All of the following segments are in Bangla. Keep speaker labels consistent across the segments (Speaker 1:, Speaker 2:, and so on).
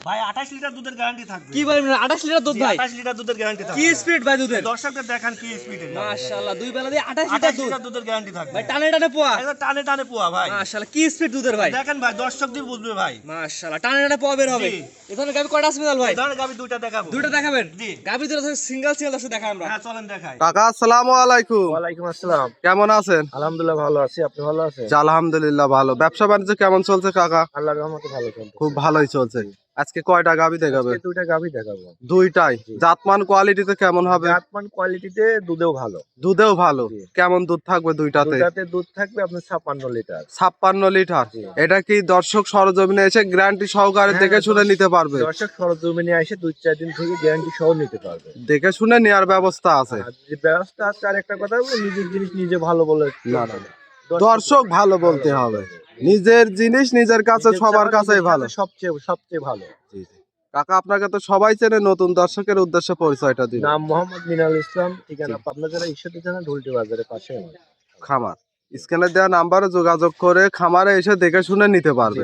Speaker 1: ভাই 28 লিটার দুধের গ্যারান্টি থাকবে।
Speaker 2: কি বলেন 28 লিটার দুধ ভাই?
Speaker 1: 28 লিটার দুধের গ্যারান্টি থাকবে।
Speaker 2: কি স্পিড ভাই দুধের?
Speaker 1: দর্শকদের দেখান কি স্পিডে।
Speaker 2: মাশাআল্লাহ দুই বেলা দিয়ে 28
Speaker 1: লিটার
Speaker 2: লিটার
Speaker 1: দুধের গ্যারান্টি থাকবে
Speaker 2: ভাই। টানে টানে পোয়া,
Speaker 1: একদম টানে টানে পোয়া ভাই।
Speaker 2: মাশাআল্লাহ কি স্পিড দুধের ভাই
Speaker 1: দেখেন ভাই, দর্শকদের বুঝবে ভাই।
Speaker 2: মাশাআল্লাহ টানে টানে পোয়া বের হবে। এখানে গাবি কয়টা আছে ভাই?
Speaker 1: ধরেন গাবি দুইটা দেখাবো।
Speaker 2: দুইটা দেখাবেন?
Speaker 1: জি।
Speaker 2: গাবি দুটো সিঙ্গেল সিঙ্গেল আছে দেখাই আমরা।
Speaker 1: হ্যাঁ চলেন দেখাই।
Speaker 3: কাকা আসসালামু আলাইকুম।
Speaker 4: ওয়ালাইকুম আসসালাম।
Speaker 3: কেমন আছেন?
Speaker 4: আলহামদুলিল্লাহ ভালো আছি, আপনি ভালো আছেন?
Speaker 3: জি, আলহামদুলিল্লাহ ভালো। ব্যবসা বাণিজ্য কেমন চলছে কাকা?
Speaker 4: আল্লাহর রহমতে ভালো চলছে।
Speaker 3: খুব ভালোই চলছে। আজকে কয়টা গাবি দেখাবে?
Speaker 4: আজকে দুইটা গাভী দেখাবো।
Speaker 3: দুইটাই। জাতমান কোয়ালিটিতে কেমন হবে?
Speaker 4: জাতমান কোয়ালিটিতে দুধেও ভালো।
Speaker 3: দুধেও ভালো।
Speaker 4: জি।
Speaker 3: কেমন দুধ থাকবে দুইটাতে?
Speaker 4: দুটাতে দুধ থাকবে আপনার 56 লিটার।
Speaker 3: 56 লিটার।
Speaker 4: জি।
Speaker 3: এটা কি দর্শক সরজমিনে এসে গ্যারান্টি সহকারে দেখে শুনে নিতে পারবে?
Speaker 4: দর্শক সরজমিনে এসে 2-4 দিন থেকে গ্যারান্টি সহ নিতে পারবে।
Speaker 3: দেখে শুনে নেওয়ার ব্যবস্থা আছে।
Speaker 4: আর যে ব্যবস্থা আছে, আর একটা কথা বলবো, নিজের জিনিস নিজে ভালো বলে
Speaker 3: না না, দর্শক ভালো বলতে হবে। নিজের জিনিস নিজের কাছে সবার কাছেই ভালো।
Speaker 4: সবচেয়ে ভালো।
Speaker 3: কাকা আপনাকে তো সবাই চেনে, নতুন দর্শকের উদ্দেশ্যে পরিচয়টা দিন।
Speaker 4: নাম মোহাম্মদ মিনাল ইসলাম, ঠিকানা পাবনা জেলা ঈশ্বরদী থানা ঢুলটি বাজারের পাশে আমার
Speaker 3: খামার। স্ক্যানে দেওয়া নাম্বারে যোগাযোগ করে খামারে এসে দেখে শুনে নিতে পারবে।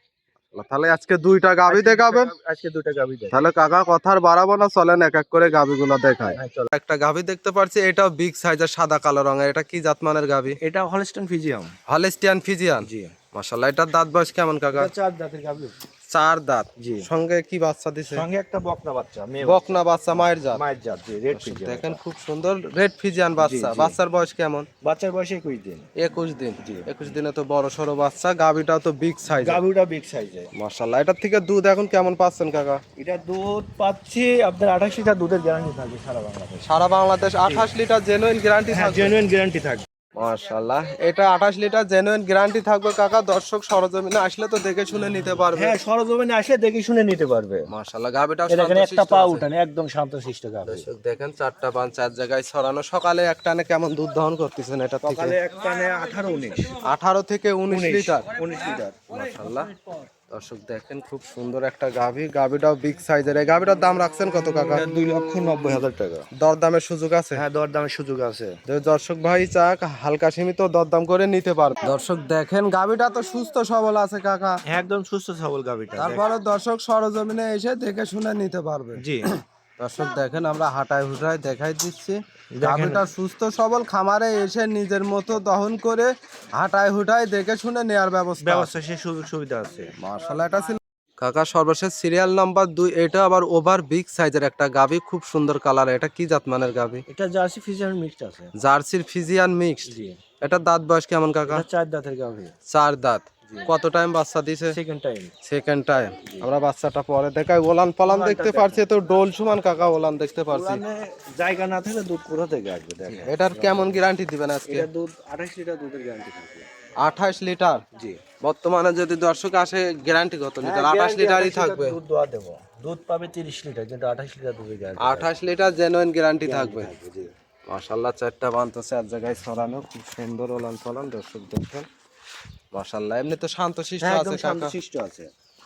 Speaker 3: তাহলে আজকে দুইটা গাভী দেখাবেন?
Speaker 4: আজকে দুইটা গাভী দেখাবো।
Speaker 3: তাহলে কাকা কথার বাড়াবো না, চলেন এক এক করে গাভীগুলো দেখায়।
Speaker 4: হ্যাঁ চলো।
Speaker 3: একটা গাভী দেখতে পাচ্ছি, এটাও বিগ সাইজের সাদা কালো রঙের। এটা কি জাতমানের গাভী?
Speaker 4: এটা হলস্টাইন ফ্রিজিয়াম।
Speaker 3: Holstein Friesian.
Speaker 4: জি।
Speaker 3: মাশাআল্লাহ। এটার দাঁত বয়স কেমন কাকা?
Speaker 4: এটা 4 দাঁতের গাভী।
Speaker 3: 4 দাঁত।
Speaker 4: জি।
Speaker 3: সঙ্গে কি বাচ্চা দিছে?
Speaker 4: সঙ্গে একটা বকনা বাচ্চা, মেয়ে
Speaker 3: বকনা বাচ্চা, মায়ের জাত।
Speaker 4: মায়ের জাত, জি, রেড ফ্রিজিয়াম।
Speaker 3: দেখেন খুব সুন্দর রেড ফ্রিজিয়ান বাচ্চা।
Speaker 4: জি।
Speaker 3: বাচ্চার বয়স কেমন?
Speaker 4: বাচ্চার বয়স 21 দিন।
Speaker 3: 21 দিন। 21 দিনে তো বড় সড়ো বাচ্চা। গাভীটাও তো বিগ সাইজ।
Speaker 4: গাভীটা বিগ সাইজে।
Speaker 3: মাশাআল্লাহ। এটার থেকে দুধ এখন কেমন পাচ্ছেন কাকা?
Speaker 4: এটা দুধ পাচ্ছি আপনার 28 লিটার দুধের গ্যারান্টি থাকবে সারা বাংলাদেশ।
Speaker 3: সারা বাংলাদেশ 28 লিটার জেনুইন গ্যারান্টি
Speaker 4: হ্যাঁ,
Speaker 3: থাকবে।
Speaker 4: জেনুইন গ্যারান্টি থাকবে।
Speaker 3: মাশাআল্লাহ। এটা 28 লিটার জেনুইন গ্যারান্টি থাকবে কাকা। দর্শক সরজমিনে আসলে তো দেখে শুনে নিতে পারবে।
Speaker 4: হ্যাঁ, সরজমিনে আসলে দেখে শুনে নিতে পারবে।
Speaker 3: মাশাআল্লাহ। গাভীটা
Speaker 4: এখানে একটা পা উঠানে একদম শান্তশিষ্ট গাভী।
Speaker 3: দর্শক দেখেন, 4টা পান 4 জায়গায় ছড়ানো। সকালে এক টানে কেমন দুধ দহন করতেছেন এটা থেকে?
Speaker 4: সকালে এক টানে 18-19
Speaker 3: 18 থেকে 19 লিটার।
Speaker 4: 19 লিটার।
Speaker 3: মাশাআল্লাহ। দর্শক দেখেন খুব সুন্দর একটা গাভী। গাভীটাও বিগ সাইজের। এই গাভীটার দাম রাখছেন কত কাকা?
Speaker 4: 2,90,000 টাকা।
Speaker 3: দরদামের সুযোগ আছে?
Speaker 4: হ্যাঁ, দরদামের সুযোগ আছে।
Speaker 3: দর্শক ভাই চাক হালকা সীমিত দরদাম করে নিতে পারবে। দর্শক দেখেন গাভীটা তো সুস্থ সবল আছে কাকা।
Speaker 4: হ্যাঁ, একদম সুস্থ সবল গাভীটা।
Speaker 3: তারপরে দর্শক সরজমিনে এসে দেখে শুনে নিতে পারবে।
Speaker 4: জি।
Speaker 3: দর্শক দেখেন আমরা হাঁটায় হুটায় দেখাই দিচ্ছি। গাভীটা সুস্থ সবল, খামারে এসে নিজের মতো দহন করে হাঁটায় হুটায় দেখে শুনে নেয়ার ব্যবস্থা।
Speaker 4: সে সুযোগ সুবিধা আছে।
Speaker 3: মাশাআল্লাহ। এটা ছিল কাকা সর্বশেষ সিরিয়াল নাম্বার 2। এটা আবার ওভার বিগ সাইজের একটা গাভী, খুব সুন্দর কালার। এটা কি জাতমানের গাভী?
Speaker 4: এটা জার্সি ফ্রিজিয়ান মিক্সড আছে।
Speaker 3: জার্সির ফিজিয়ান মিক্সড।
Speaker 4: জি।
Speaker 3: এটা দাঁত বয়স কেমন কাকা?
Speaker 4: এটা 4 দাঁতের গাভী।
Speaker 3: 4 দাঁত। কত টাইম বাচ্চা দিছে?
Speaker 4: Second time.
Speaker 3: Second time. আমরা বাচ্চাটা পরে দেখাই। ওলান পালান দেখতে পারছি তো ডোল সমান কাকা, ওলান দেখতে পারছি।
Speaker 4: ওলানে জায়গা না থাকলে দুধ কোথা থেকে আসবে দেখেন।
Speaker 3: এটার কেমন গ্যারান্টি দিবেন আজকে?
Speaker 4: এটা দুধ 28 লিটার দুধের গ্যারান্টি থাকবে।
Speaker 3: 28 লিটার।
Speaker 4: জি।
Speaker 3: বর্তমানে যদি দর্শক আসে গ্যারান্টি কত লিটার? 28 লিটারই থাকবে।
Speaker 4: দুধ দোয়া দেব। দুধ পাবে 30 লিটার, কিন্তু 28 লিটার দুধের গ্যারান্টি।
Speaker 3: 28 লিটার জেনুইন গ্যারান্টি থাকবে।
Speaker 4: জি।
Speaker 3: মাশাআল্লাহ। 4টা বান তো 4 জায়গায় ছড়ানো, খুব সুন্দর ওলান পালান। দর্শক দেখেন মাশাআল্লাহ। এমনি তো শান্তশিষ্ট
Speaker 4: হ্যাঁ,
Speaker 3: আছে
Speaker 4: একদম
Speaker 3: কাকা।
Speaker 4: শান্তশিষ্ট আছে।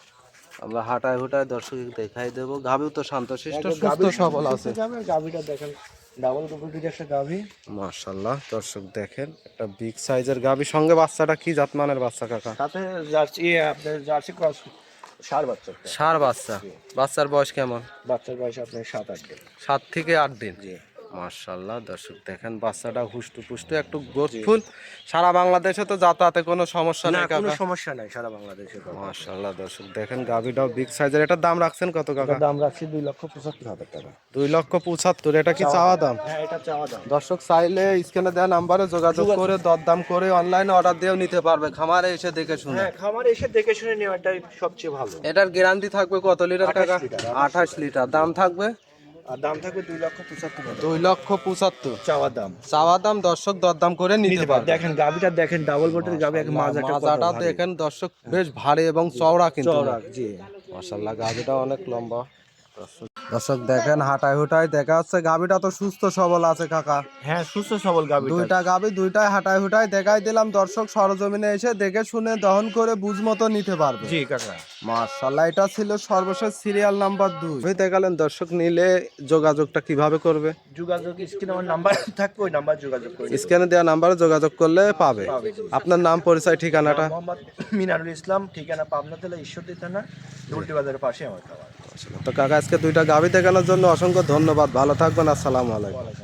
Speaker 3: আমরা হাঁটায় হুটায় দর্শক দেখাই দেব। গাভীও তো শান্তশিষ্ট
Speaker 4: একদম
Speaker 3: সুস্থ
Speaker 4: গাভীর
Speaker 3: সবল
Speaker 4: সুস্থ
Speaker 3: আছে।
Speaker 4: যাবে। গাভীটা দেখেন, ডাবল কোয়ালিটির একটা গাভী।
Speaker 3: মাশাআল্লাহ। দর্শক দেখেন একটা বিগ সাইজের গাভী। সঙ্গে বাচ্চাটা কি জাতমানের বাচ্চা কাকা?
Speaker 4: সাথে জার্সি আপনার জার্সি ক্রস ষাঁড় বাচ্চা।
Speaker 3: ষাঁড় বাচ্চা। বাচ্চার বয়স কেমন?
Speaker 4: বাচ্চার বয়স আপনার 7-8 দিন।
Speaker 3: 7 থেকে 8 দিন।
Speaker 4: জি।
Speaker 3: মাশাআল্লাহ। দর্শক দেখেন বাচ্চাটা হুষ্টু পুষ্টু, একটু গ্রোথফুল। সারা বাংলাদেশে তো যাতায়াতে কোনো সমস্যা
Speaker 4: না,
Speaker 3: নেই
Speaker 4: কোনো
Speaker 3: কাকা।
Speaker 4: সমস্যা নাই সারা বাংলাদেশে।
Speaker 3: মাশাআল্লাহ। দর্শক দেখেন গাভীটাও বিগ সাইজের। এটার দাম রাখছেন কত কাকা?
Speaker 4: দাম রাখছি 2,75,000 টাকা।
Speaker 3: 2,75,000। এটা কি চাওয়া দাম?
Speaker 4: হ্যাঁ, এটা চাওয়া দাম।
Speaker 3: দর্শক চাইলে স্ক্যানে দেওয়া নাম্বারে যোগাযোগ করে দরদাম করে অনলাইনে অর্ডার দিয়েও নিতে পারবে, খামারে এসে দেখে শুনে।
Speaker 4: হ্যাঁ, খামারে এসে দেখে শুনে নেওয়াটাই সবচেয়ে ভালো।
Speaker 3: এটার গ্যারান্টি থাকবে কত লিটার কাকা?
Speaker 4: 28 লিটার।
Speaker 3: 28 লিটার। দাম থাকবে
Speaker 4: আর দাম থাকবে 2,75,000
Speaker 3: 2,75,000
Speaker 4: চাওয়া দাম।
Speaker 3: চাওয়া দাম। দর্শক দরদাম করে নিতে পারবে।
Speaker 4: দেখেন গাভীটা দেখেন, ডাবল বটের গাভী, এক মাজাটা
Speaker 3: মাজাটা দেখেন দর্শক বেশ ভারী এবং চওড়া কিন্তু।
Speaker 4: চওড়া। জি।
Speaker 3: মাশাআল্লাহ। গাভীটা অনেক লম্বা। দর্শক দেখেন হাঁটায় হুটায় দেখা যাচ্ছে গাভীটা তো সুস্থ সবল আছে কাকা।
Speaker 4: হ্যাঁ, সুস্থ সবল গাভী।
Speaker 3: দুইটা গাভী দুইটাই হাঁটায় হুটায় দেখাই দিলাম, দর্শক সরজমিনে এসে দেখে শুনে দহন করে বুঝ মতো নিতে পারবে।
Speaker 4: জি কাকা।
Speaker 3: মাশাআল্লাহ, এটা ছিল সর্বশেষ সিরিয়াল নাম্বার 2। আপনি দেখালেন, দর্শক নিলে যোগাযোগটা কিভাবে করবে?
Speaker 4: যোগাযোগ স্ক্রিনে আমার নাম্বার থাকবে, ওই নাম্বার যোগাযোগ করে
Speaker 3: স্ক্যানে দেওয়া নাম্বারে যোগাযোগ করলে পাবে। আপনার নাম পরিচয় ঠিকানাটা?
Speaker 4: মোহাম্মদ মিনারুল ইসলাম, ঠিকানা পাবনা জেলা ঈশ্বরদী থানা, ঢুলটি বাজারের পাশে আমার খাবার।
Speaker 3: তো কাকা, আজকে দুইটা গাভী দেখানোর জন্য অসংখ্য ধন্যবাদ। ভালো থাকবেন, আসসালামু আলাইকুম।